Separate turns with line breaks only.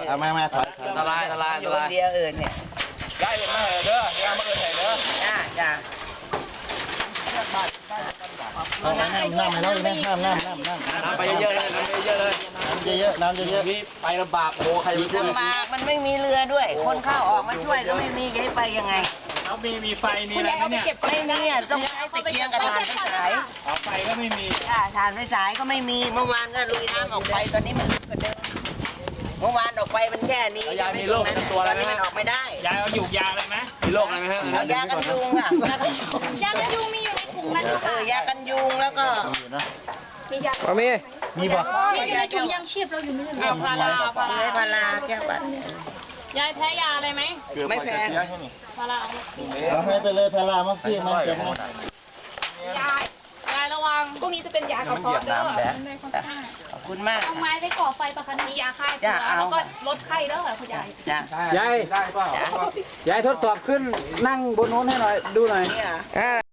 เอามาถอยละลาย
อยู่คนเดียวเนี่ย
ได้เป็นมาเด้อย่ามาเอิญไหนเด้อ
จ้า
เอาน้ำแล้วนะน้ำไปเยอะๆเลยน้ำเยอะนี่ไปลำบากโอ้ใครจะช่วย
ลำบากมันไม่มีเรือด้วยคนเข้าออกมาช่วยก็ไม่มีจะให้ไปยังไง
แล้วมีไฟมีอะไรไหมเนี่ย
ไม่มีต้องใช้ตะเกียงกับถ่านไฟฉาย
ไฟก็ไม่มี
ถ่านไฟฉายก็ไม่มีเมื่อวานก็ลุยน้ำออกไปตอนนี้มันลึกกว่าเดิมเมื่อวานออกไปมันแค่นี้
ยายมีโรคประจำตัวอะไรไหม
มันออกไม่ได้
ยายเอาหยูกยาอะไรไหม
มีโรคอะไรไหมฮะ
เอายากันยุงค่ะ
ยากันยุงมีอยู่ในถุงนั้นหรือเปล่าย
ากันยุงแล้วก็
มียา
มีบ่
อยู่ในถุงยังชีพเราอยู่ไม่ได้
พาราแก้วบัด
ยายแพ้ยาอะไรไหม
ไม่แพ้
พารา
เอาให้ไปเลยพารามักซี่มันเจ็บไหม
ยายระวังพวกนี้จะเป็นยากระเพาะเด้อ
ขอบคุณมาก
เอาไม้ไปก่อไฟประคันมียาฆ่าเชื้อแล้วก็ลดไข้เด้อคุณยาย
ยายทดสอบขึ้นนั่งบนโน้นให้หน่อยดูหน่อย